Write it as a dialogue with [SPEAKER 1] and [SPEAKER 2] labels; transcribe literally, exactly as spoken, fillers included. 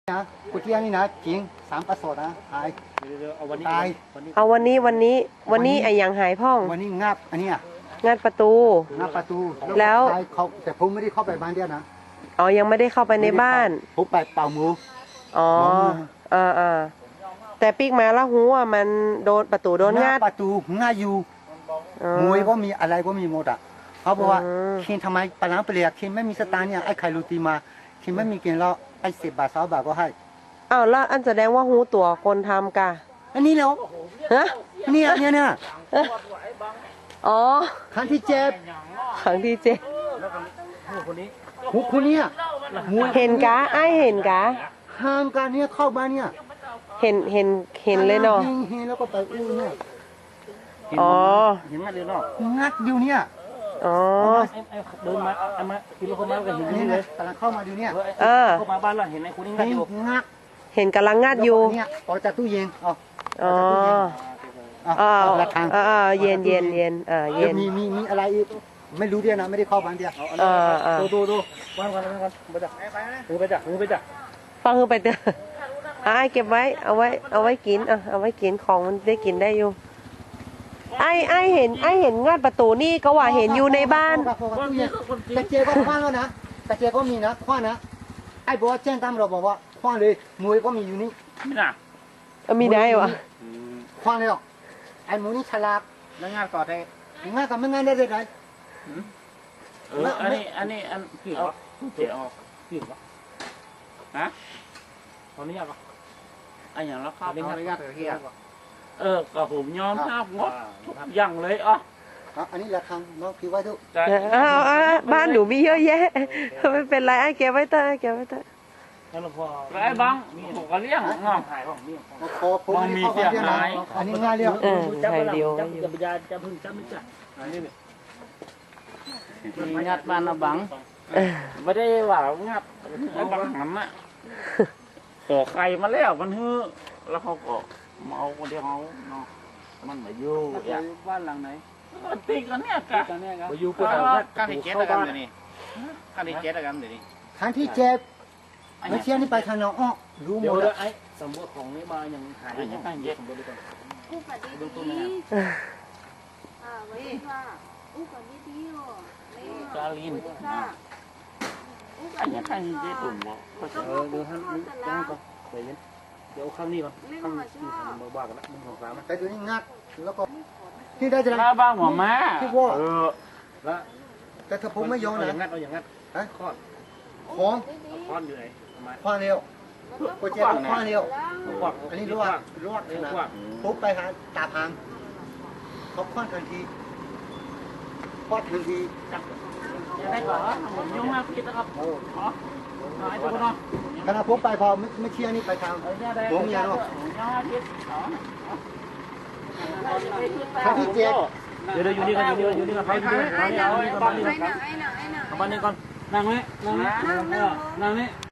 [SPEAKER 1] นะกูเที่ยงนี่นะจริงสามประสดนะหายเอาวันนี้
[SPEAKER 2] เอาวันนี้วันนี้วันนี้ไอ้ยังหายพ่อง
[SPEAKER 1] วันนี้งับอันนี้
[SPEAKER 2] งัดประตู
[SPEAKER 1] งับประตู
[SPEAKER 2] แล้ว
[SPEAKER 1] เขาแต่ผมไม่ได้เข้าไปบ้านเดียวนะ
[SPEAKER 2] อ๋อยังไม่ได้เข้าไปในบ้าน
[SPEAKER 1] ผมไปเป่ามือ
[SPEAKER 2] อ๋ออ่าอ่าแต่ปีกมาแล้วหูอ่ะมันโดนประตูโดนงัด
[SPEAKER 1] ประตูง่ายอยู่มวยก็มีอะไรก็มีหมดอ่ะเขาบอกว่าคินทำไมปลาเปลี่ยคินไม่มีสตางค์เนี่ยไอ้ไข่ลูตีมาคินไม่มีกินแล้วไอ้สิบบาทสองบาทก็ให้
[SPEAKER 2] อ้าวแล้วอันแสดงว่าหูตัวคนทำกะ
[SPEAKER 1] อันนี้แล้ว
[SPEAKER 2] ฮะ
[SPEAKER 1] เนี่ยเนี่ยเนี่ย
[SPEAKER 2] อ๋อ
[SPEAKER 1] ครั้งที่เจ็บ
[SPEAKER 2] ครั้งที่เจ็บ
[SPEAKER 1] หูคนนี้
[SPEAKER 2] เห็นกะไอเห็นกะ
[SPEAKER 1] ห่างกันเนี่ยเข้ามาเนี่ย
[SPEAKER 2] เห็นเห็นเห็นเลยเนาะ
[SPEAKER 1] เห็นแล้วก็ไปอู้เนี่ย
[SPEAKER 2] อ๋อ
[SPEAKER 1] เห็นงัดเดียวเนาะงัดเดียวเนี่ย
[SPEAKER 2] อ๋อ
[SPEAKER 3] เดินมาเอามากินแล้วเข้ามาก็เห็นนี่เลย
[SPEAKER 1] กำลังเข้ามาดูเนี่ย
[SPEAKER 2] เออ
[SPEAKER 3] เข้ามาบ้านเราเห็นไอ้คนนี้งัดอยู่
[SPEAKER 1] งัด
[SPEAKER 2] เห็นกำลังงัดอยู่
[SPEAKER 1] เนี่ยออกจากตู้เย็นอ๋อ
[SPEAKER 2] อ๋ออ๋ออ๋อเย็นเย็นเย็นอ่าเย็น
[SPEAKER 1] มีมีมีอะไรไม่รู้เดียวนะไม่ได้เข้าบ้านเดียว
[SPEAKER 2] อ่าอ่า
[SPEAKER 3] ดูดูดูบ้านกันบ้านกันไปจ้ะมือไปจ้ะมือไปจ้ะ
[SPEAKER 2] ฟังคือไปเถอะไอ้เก็บไว้เอาไว้เอาไว้กินอ่ะเอาไว้กินของมันได้กินได้อยู่ไอ้ไอ้เห็นไอ้เห็นงัดประตูนี่ก็ว่าเห็นอยู่ในบ้าน
[SPEAKER 1] แต่เจก็คว้างแล้วนะแต่เจก็มีนะคว้างนะไอ้บอกว่าแจ้งตามเราบอกว่าคว้างเลยมวยก็มีอยู่นี่
[SPEAKER 3] ไม่น่ะ
[SPEAKER 2] มีได้วะ
[SPEAKER 1] คว้างเลยไอ้หมูนี่ฉลาด
[SPEAKER 3] แล้วงานต่อได้
[SPEAKER 1] งานกับไม่งานได้เลยไง
[SPEAKER 3] เอออันนี้อันนี้อันผิดเจ๋ออกผิดวะฮะตอนนี้ยังอันอย่างละครับเออก็ผมยอมภาพงดทุกอย่างเลยอ่ะ
[SPEAKER 1] อันนี้ละครั้งน้องพี่ไว้ทุก
[SPEAKER 2] บ้านหนูมีเยอะแยะไม่เป็นไรไอ้เก็บไว้เถอะเก็บไว้เถอะ
[SPEAKER 3] แล้วไอ้บังผมก็เลี้ยงงอถ่ายของนี่
[SPEAKER 1] บังมีเสียหายอันนี้ง่ายเลี้ยง
[SPEAKER 2] เออถ่ายเดียว
[SPEAKER 3] จะปัญญาจะพึ่งจะไม่จัดอันนี้
[SPEAKER 4] มีงัดบ้านนะบัง
[SPEAKER 3] ไม่ได้ว่างัดไอ้บังหันน่ะขอใครมาแล้วมันฮือแล้วเขาก็เมาคนเดียวเขาเนาะมันมาอยู่
[SPEAKER 4] บ้านหลังไหน
[SPEAKER 3] ตีกันเนี่ยกะ
[SPEAKER 4] มาอยู่กันการที่เจ็ดกันเดี๋ยวนี้การที่เจ็ดกันเดี๋ยวนี้
[SPEAKER 1] ครั้งที่เจ็บไม่เชี่ยนี่ไปทางน้องอ้อรู้หมดแล้ว
[SPEAKER 3] ไอ้สมบูรณ์ของนี่มายังหายยังการเจ็ด
[SPEAKER 5] อู้ปฏิบัติอ่าไว้ค่ะอู้ปฏิบัติอ๋อกา
[SPEAKER 3] ลินไอ้ยังการเจ็ดตุ่มบ่
[SPEAKER 4] เออดูท่านนี่ก็ไปเย็นเดี๋ยวข้างนี้ก่อนข้างที่มาบ้ากันละมึงของสาม
[SPEAKER 1] แต่ตัวนี้งัดแล้วก็ที่ได้จะ
[SPEAKER 3] ได้บ้างหัวม้า
[SPEAKER 1] ที่ว่า
[SPEAKER 3] เออแล้ว
[SPEAKER 1] แต่ถ้าผมไม่ยอมนะ
[SPEAKER 3] งัดเอาอย่างงัด
[SPEAKER 1] ฮะ
[SPEAKER 3] คอน
[SPEAKER 1] ของ
[SPEAKER 3] คอนอยู่ไหน
[SPEAKER 1] คว้าเร็วโปรเจกต์คว้าเร็วอันนี้ลวกลวกนะปุ๊บไปหาตาพังเขาคว้าทันทีคว้าทันที
[SPEAKER 3] ได้ก่อนผมยุ่งมากคิดนะครับโอ้ไอ้ตัวน้อง
[SPEAKER 1] ขณะปุ๊บไปพอไม่เชี่ยนี่ไปทางผมยาวครั้งที่เจ็ด
[SPEAKER 3] เดี๋ยวอยู่นี่กันอยู่นี่อยู่นี่กันไปอยู่นี่กันไปอยู่นี่กันไปอยู่นี่กันไปอยู่นี่กันไปอยู่นี่กันนั่งนี่ก่อนนั่งนี่นั่งนี่นั่งนี่